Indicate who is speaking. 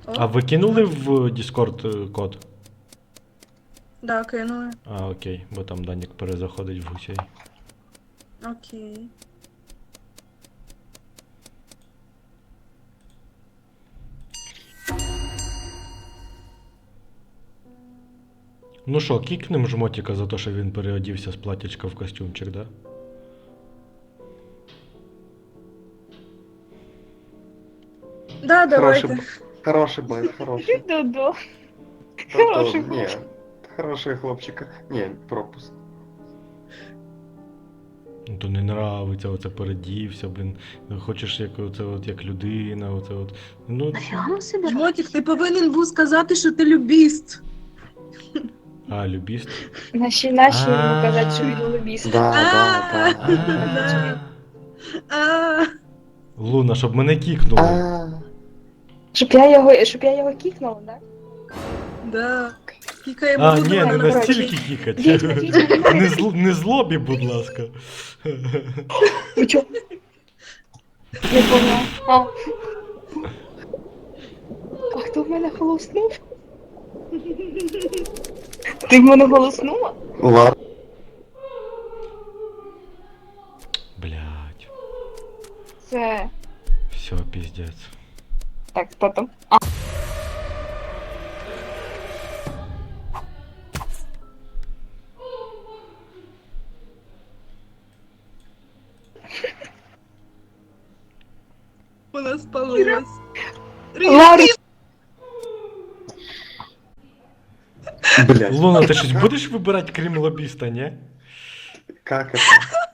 Speaker 1: А
Speaker 2: О,
Speaker 1: ви кинули в Discord код?
Speaker 2: да, кинули.
Speaker 1: А, окей, бо там Данік перезаходить в гусей.
Speaker 2: Окей.
Speaker 1: Ну що, кікнем жмотіка за те, що він переодівся з платячка в костюмчик, да?
Speaker 2: Да,
Speaker 3: Хороший,
Speaker 2: давайте.
Speaker 3: хороший бой, хороший.
Speaker 4: Додо.
Speaker 3: Та то,
Speaker 4: Хороший
Speaker 3: ні,
Speaker 4: хлопчик.
Speaker 3: хороший хлопчик. Ні, пропуск.
Speaker 1: Ну то не нравиться, оце передівся, блін. Хочеш як оце от як людина, оце от. Ну,
Speaker 4: Нафіга ми себе?
Speaker 2: Жмотик, ти повинен був сказати, що ти любіст.
Speaker 1: а, любіст.
Speaker 4: Наші йому казати, що він лобіст.
Speaker 3: Да, да,
Speaker 2: Да. А,
Speaker 1: Луна, щоб мене
Speaker 3: да.
Speaker 1: кікнули.
Speaker 4: Щоб я його кікнула, да?
Speaker 2: да. Кікаємо
Speaker 1: А,
Speaker 2: Луну
Speaker 1: ні, не
Speaker 2: на
Speaker 1: настільки
Speaker 2: коротше.
Speaker 1: кікать.
Speaker 4: Відьма.
Speaker 1: Не злобі, будь ласка.
Speaker 4: Ви чо? Не поняла. А хто в мене голоснув? Ти в мене голоснула?
Speaker 3: Лар.
Speaker 1: Блять.
Speaker 4: Це...
Speaker 1: Все, піздець.
Speaker 4: Так, хто там?
Speaker 2: Вона спалилась.
Speaker 4: Ларі!
Speaker 3: Блять,
Speaker 1: Луна, ти щось будеш вибирати крім лобіста, ні?
Speaker 3: как это?